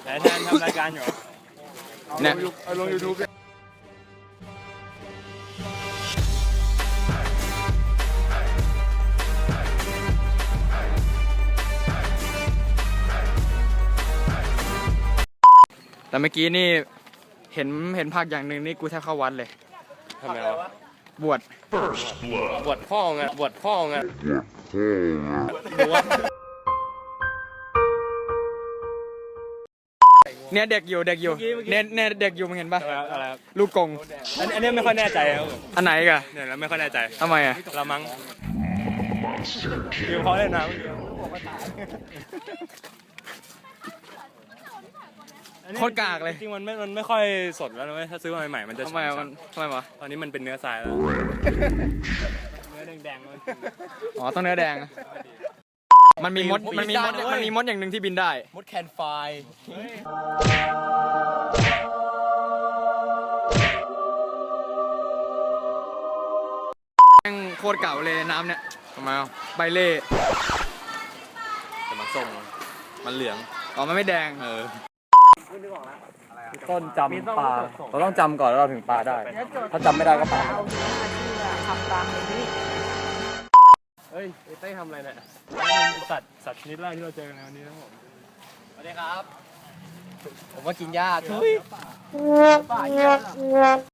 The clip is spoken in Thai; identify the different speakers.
Speaker 1: แต่แทนทำรายการอยู่
Speaker 2: เนี่ย
Speaker 3: เอาลง YouTube
Speaker 2: แต่เมื่อกี้นี่เห็นภาคอย่างหนึ่งนี่กูแทบเข้าวัดเลย
Speaker 1: ทำไมวะ
Speaker 2: บวช
Speaker 1: บวชพ่อไงบวชพ่อไงบวช
Speaker 2: เนี่ยเด็กอยู่เนี่ยเด็กอยู่มึงเห็นปะ
Speaker 1: อะไรครับ
Speaker 2: ลูกกง
Speaker 1: อันนี้ไม่ค่อยแน่ใจครับ
Speaker 2: อันไหนกะ
Speaker 1: เนี่ยเราไม่ค่อยแน่ใจ
Speaker 2: ทำไมอ่ะ
Speaker 1: เรามั้งคือเขาเล่นน้ำ
Speaker 2: โคตรกากเลย
Speaker 1: จริงๆมันไม่ค่อยสดแล้วนะเว้ยถ้าซื้อมาใหม่ๆมันจะ
Speaker 2: ทำไมอะทำไมวะ
Speaker 1: ตอนนี้มันเป็นเนื้อทรายแล้วเนื้อแดงๆมัน
Speaker 2: อ๋อต้องเนื้อแดงอะมันมีมดอย่างหนึ่งที่บินได้
Speaker 3: มดแคนไฟ
Speaker 2: แม่งโคตรเก่าเลยน้ำเนี่ยทำไมอ่ะใบเล่
Speaker 1: แต่มันส้มมันเหลือง
Speaker 2: อ๋อมันไม่แดง
Speaker 3: ต้นจำปลาเราต้องจำก่อนแล้วเราถึงปลาได้ ถ้าจำไม่ได้ก็ปลา
Speaker 1: เฮ้ยเต้ทำอะไรเนี่ยสัตว์ชนิดแรกที่เราเจอกันในวันนี้นะผม
Speaker 3: สวัสดีครับ ผมว่ากินหญ้าทุย